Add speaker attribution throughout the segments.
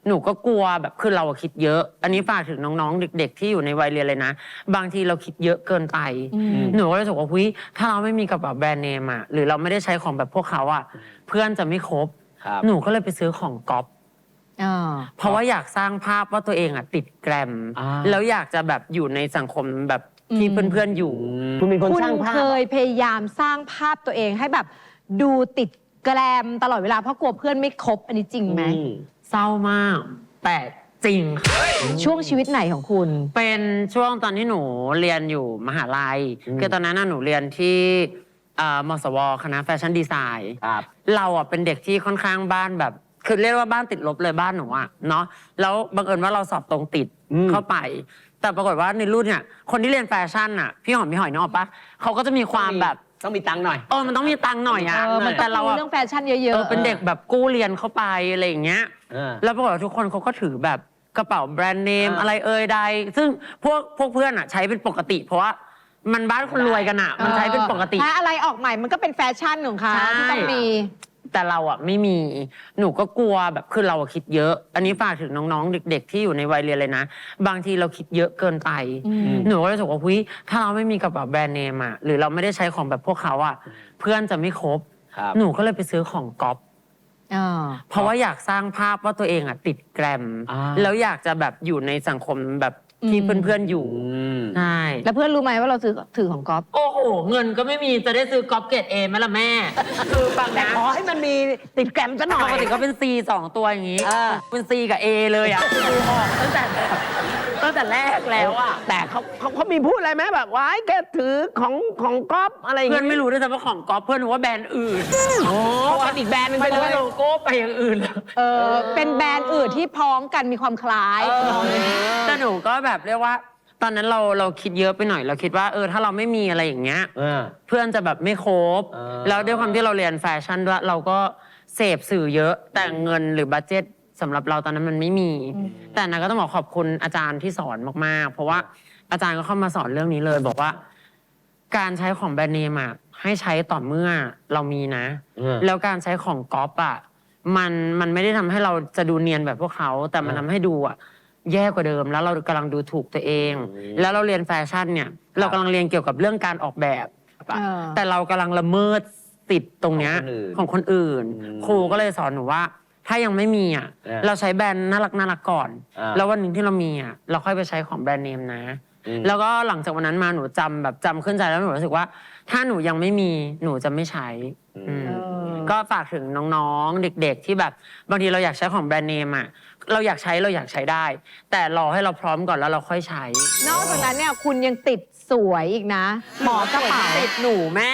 Speaker 1: หนูก็กลัวแบบคือเราคิดเยอะ อันนี้ฝากถึงน้องๆเด็กๆที่อยู่ในวัยเรียนเลยนะบางทีเราคิดเยอะเกินไปหนูก็เลยรู้สึกว่าถ้าเราไม่มีกระเป๋าแบรนด์เนมอะหรือเราไม่ได้ใช้ของแบบพวกเขาอะเพื่อนจะไม่คบหนูก็เลยไปซื้อของก๊อปเพราะว่าอยากสร้างภาพว่าตัวเองอะติดแกรมแล้วอยากจะแบบอยู่ในสังคมแบบที่เพื่อนๆอยู่
Speaker 2: คุณเป็นคนสร้างภาพ
Speaker 3: คุณเคยพยายามสร้างภาพตัวเองให้แบบดูติดแกรมตลอดเวลาเพราะกลัวเพื่อนไม่คบอันนี้จริงไหม
Speaker 1: เศร้ามากแต่จริงค่ะ
Speaker 3: ช่วงชีวิตไหนของคุณ
Speaker 1: เป็นช่วงตอนที่หนูเรียนอยู่มหาลัยคือตอนนั้นหนูเรียนที่มศวคณะแฟชั่นดีไซน์เราอ่ะเป็นเด็กที่ค่อนข้างบ้านแบบคือเรียกว่าบ้านติดลบเลยบ้านหนูอ่ะเนาะแล้วบังเอิญว่าเราสอบตรงติดเข้าไปแต่ปรากฏว่าในรุ่นเนี่ยคนที่เรียนแฟชั่นอ่ะพี่หอมพี่หอยนึกออกปะเขาก็จะมีความแบบ
Speaker 2: ต้องมีตังค์หน่อย
Speaker 1: มันต้องมีตังค์หน่อยอ่ะ
Speaker 3: แต่เราเรื่องแฟชั่นเยอะ
Speaker 1: ๆเป็นเด็กแบบกู้เรียนเข้าไปอะไรอย่างเงี้ยแล้วปรากฏว่าทุกคนเขาก็ถือแบบกระเป๋าแบรนด์เนมอะไรใดซึ่งพวกเพื่อนอ่ะใช้เป็นปกติเพราะว่ามันบ้านคนรวยกันอ่ะมันใช้เป็นปกติ
Speaker 3: ถ้าอะไรออกใหม่มันก็เป็นแฟชั่นของเขาที่ต้องมี
Speaker 1: แต่เราอ่ะไม่มีหนูก็กลัวแบบคือเราคิดเยอะอันนี้ฝากถึงน้องๆเด็กๆที่อยู่ในวัยเรียนเลยนะบางทีเราคิดเยอะเกินไปหนูก็เลยรู้สึกว่าถ้าเราไม่มีกระเป๋าแบรนด์เนมอ่ะหรือเราไม่ได้ใช้ของแบบพวกเขาอ่ะเพื่อนจะไม่คบหนูก็เลยไปซื้อของก๊อปเพราะว่าอยากสร้างภาพว่าตัวเองอ่ะติดแกรมแล้วอยากจะแบบอยู่ในสังคมแบบที่เพื่อนๆอยู่ใช่
Speaker 3: แล้วเพื่อนรู้ไหมว่าเราถือของก๊อฟ
Speaker 1: โอ้โหเงินก็ไม่มีจะได้ซื้อก๊อฟเกรดเอไหมล่ะแม่คือฟังนะ
Speaker 2: ขอให้มันมีติดแกรมซะหน่อย
Speaker 1: ปกติก็เป็น C 2 ตัวอย่างนี้เป็น C กับ A เลยอ่ะออกตั้งแต่แรกแล้วอ่ะ
Speaker 2: แต่เขามีพูดอะไรไหมแบบว่าแกถือของก๊อฟอะไรอย่าง
Speaker 1: เพื่
Speaker 2: เงี้
Speaker 1: อนไม่รู้ด้วยซ้ำว่าของก๊อฟเพื่อนรู้ว่าแบรนด์อื่น
Speaker 2: เพราะว่าอีกแบรนด์นึงไปเลย
Speaker 1: โลโก้ไปอย่างอื่น
Speaker 3: เป็นแบรนด์อื่นที่พ้องกันมีความคล้าย
Speaker 1: แต่หนูก็แบบเรียกว่าตอนนั้นเราคิดเยอะไปหน่อยเราคิดว่าถ้าเราไม่มีอะไรอย่างเงี้ยเพื่อนจะแบบไม่คบแล้วด้วยความที่เราเรียนแฟชั่นด้วยเราก็เสพสื่อเยอะแต่เงินหรือบัดเจ็ตสำหรับเราตอนนั้นมันไม่มีแต่นะก็ต้องบอกขอบคุณอาจารย์ที่สอนมากๆเพราะว่าอาจารย์ก็เข้ามาสอนเรื่องนี้เลยบอกว่าการใช้ของแบรนด์เนมอะให้ใช้ต่อเมื่อเรามีนะแล้วการใช้ของก๊อปอะมันไม่ได้ทำให้เราจะดูเนียนแบบพวกเขาแต่มันทำให้ดูอะแย่กว่าเดิมแล้วเรากำลังดูถูกตัวเองแล้วเราเรียนแฟชั่นเนี่ยเรากำลังเรียนเกี่ยวกับเรื่องการออกแบบแต่เรากำลังละเมิดสิทธิ์ตรงเนี้ยของคนอื่นครูก็เลยสอนหนูว่าถ้ายังไม่มีอ่ะเราใช้แบรนด์น่ารักก่อนแล้ววันหนึ่งที่เรามีอ่ะเราค่อยไปใช้ของแบรนด์เนมนะแล้วก็หลังจากวันนั้นมาหนูจำขึ้นใจแล้วหนูรู้สึกว่าถ้าหนูยังไม่มีหนูจะไม่ใช้ก็ฝากถึงน้องๆเด็กๆที่แบบบางทีเราอยากใช้ของแบรนด์เนมอ่ะเราอยากใช้ได้ แต่รอให้เราพร้อมก่อนแล้วเราค่อยใช้
Speaker 3: นอกจากนั้นเนี่ยคุณยังติดสวยอีกนะหมอกระเป๋า
Speaker 1: ติดหนูแม่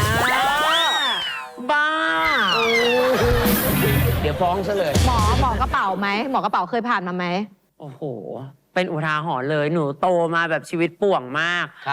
Speaker 1: บ้า
Speaker 2: เดี๋ยวฟ้องซะเลย
Speaker 3: หมอกระเป๋าไหมหมอกระเป๋าเคยผ่านมาไหม
Speaker 1: โอ้โหเป็นอุทาหรณ์เลยหนูโตมาแบบชีวิตป่วงมาก